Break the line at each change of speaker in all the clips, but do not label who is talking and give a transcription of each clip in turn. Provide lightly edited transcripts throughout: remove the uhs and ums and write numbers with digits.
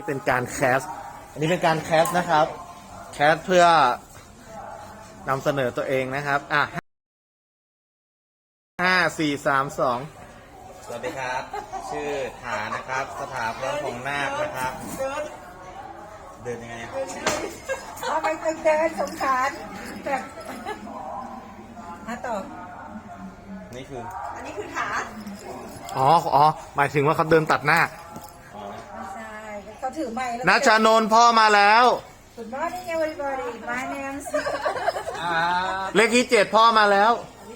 เป็นการแคสอันนี้เป็นการแคสนะครับแคสเพื่อนำเสนอตัวเองนะครับ5 4 3 2
สวัสดีครับชื่อฐานนะครับสถาพรของนาคนะครับเดินยังไงอะ
เอาไปเดินสงสารแบบต่อ
นี่คือ
อันนี้คือขา
อ๋อหมายถึงว่าเขาเดินตัดหน้า
ไม่ใช่เขาถือไม้แล้ว
ณชานนท์พ่อมาแล้ว
Good morning everybody my name is
เลขที่7พ่อมาแล้ว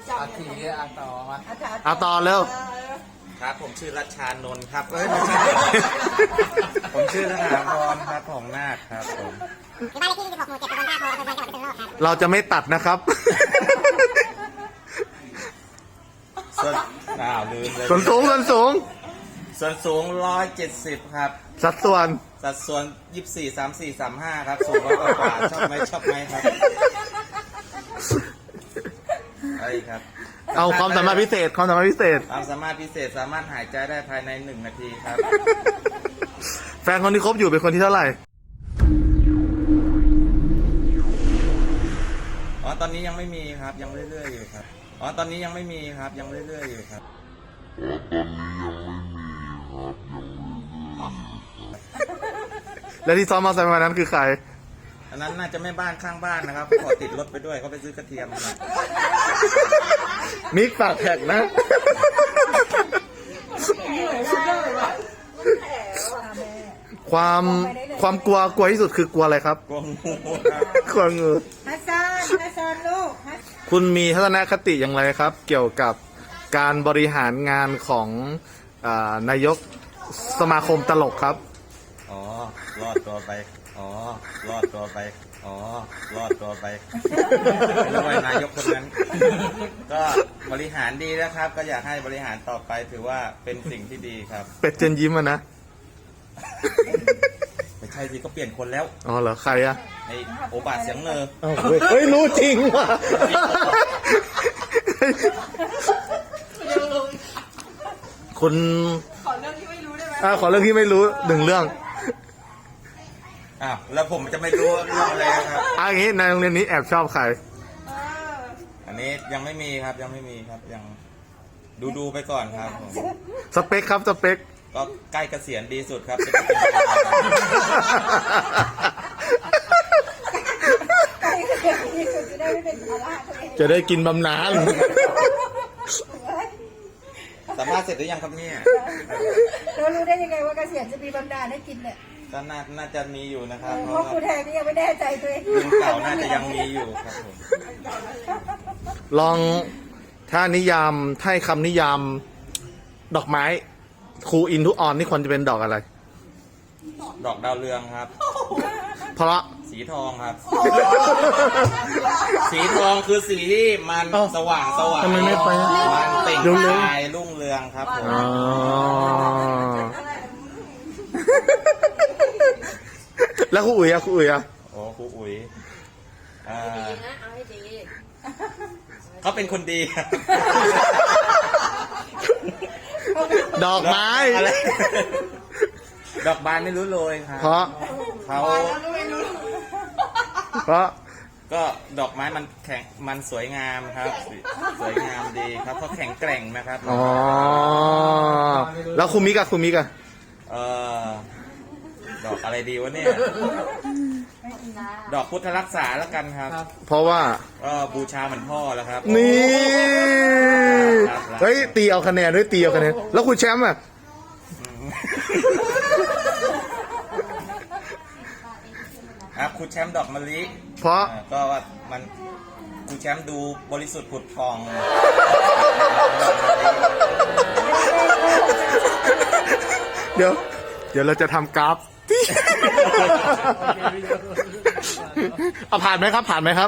เอาต่อเร็ว
ครับผมชื่อรัชชานนท์ครับไม่ใช่ผมชื่อสถาพรครับของนาคครับผม
บ้านเลขที่26หมู่7ตำบลท่าโพอำเภอเมืองจังหวัดพิษณุโลกครับ
เราจะไม่ตัดนะครับ
ลืมเลย
ส่วนสูง
ส่วนสูง170ครับ
สัดส่วน
24 34 35ครับสูง100 กว่าชอบไหมครับไอ้ครับ
เอาความสามารถพิเศษ
ความสามารถพิเศษสามารถหายใจได้ภายใน1 นาทีครับ
แฟนคนที่คบอยู่เป็นคนที่เท่าไหร่
ตอนนี้ยังไม่มีครับยังเรื่อยๆอยู่ครับตอนนี้ยังไม่มีครับยังเรื่อยๆอยู่ครับ
แล้วที่ซ้อมมอเตอร์ไซค์วันนั้นคือใคร
อันนั้นน่าจะแม่บ้านข้างบ้านนะครับขอติดรถไปด้วยเขาไปซื้อกระเทียมนะ
มิกปากแท็กนะความกลัวที่สุดคือกลัวอะไรครับ
กลัวงู
กลัวงู
ฮัสซันลูก
คุณมีทัศนคติอย่างไรครับ เกี่ยวกับการบริหารงานของนายกสมาคมตลกครับ
รอดตัวไปรอดตัวไปแล้วนายกคนนั้นก็บริหารดีนะครับก็อยากให้บริหารต่อไปถือว่าเป็นสิ่งที่ดีครับ
เป็ดเจนยิ้มนะ
ไม่ใช่สิก็เปลี่ยนคนแล้ว
อ๋อเหรอใครอะ
ไอโอบาเสียงเนอ
เฮ้ยรู้จริงว่ะคุณขอเรื่องที่ไม่รู้ได้ไหมขอเรื่องที่ไม่รู้1 เรื่อง
แล้วผมจะไม่รู้เรื่องอะไรครับ
อย่างนี้ในโรงเรียนนี้แอบชอบใคร
อันนี้ยังไม่มีครับยังดูไปก่อนครับ
สเปคครับสเปค
ก็ใกล้เกษียณดีสุดครับ
จะได้กินบำนาญ
สัมภาษณ์เสร็จหรือยังครับเนี่ย
เรารู้ได้ยังไงว่าเกษียณจะมีบำนาญให้กินเนี่ย
ก็น่าจะมีอยู่นะครับ
เพราะครูแทนนี่ยังไม่แน่ใจตัวเอง
รุ่นเก่าน่าจะยังมีอยู่ครับผม
ลองถ้านิยามให้คำนิยามดอกไม้ครูอินทุออนนี่ควรจะเป็นดอกอะไร
ดอกดาวเรืองครับ
เพราะ
สีทองครับสีทองคือสีที่มันสว่าง
ทำไมไม่ไป
มันเต่งลายรุ่งเรืองครับผม
แล้วครูอุ๋ยอะครูอุ๋ย
เขาเป็นคนดี
ดอกไม้
ดอกบานไม่รู้โรยครับเขาก็ดอกไม้มันสวยงามครับสวยงามดีครับเพราะแข็งแกร่งนะครับ
แล้วครูมิกอะ
ดอกอะไรดีวะเนี่ยดอกพุทธรักษาแล้วกันครับ
เพราะว่า
บูชาเหมือนพ่อแล้วครับ
นี่เฮ้ยตีเอาคะแนนด้วยแล้วคุณแชมป์อะ
ครับคุณแชมป์ดอกมะลิ
เพราะ
ก็ว่ามันคุณแชมป์ดูบริสุทธิ์ผุดผ่อง
เดี๋ยวเราจะทำกราฟผ่านไหมครับผ่านครับ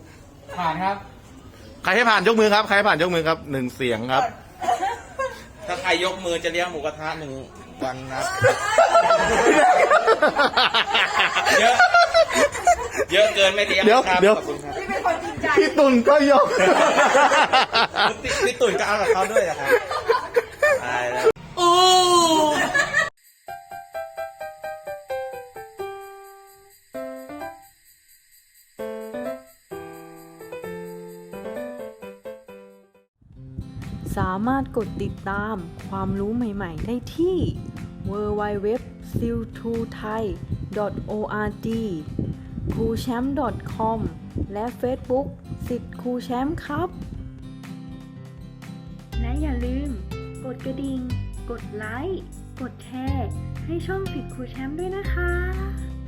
ใครให้ผ่านยกมือครับ1 เสียงครับ
ถ้าใครยกมือจะเลี้ยงหมูกระทะ1 วันนะเยอะเกินไม่เลี้ยงครับ
เดี๋ยวพี่ตุ่นก็ยก
พี่ตุ่นก็เอากับเขาด้วยนะครับตายแล้ว
สามารถกดติดตามความรู้ใหม่ๆได้ที่ www.siltuthai.org cruchamp.com และ Facebook สิทธิ์ครูแชมป์ครับ และอย่าลืมกดกระดิ่ง กดไลค์ กดแชร์ ให้ช่องสิทธิ์ครูแชมป์ด้วยนะคะ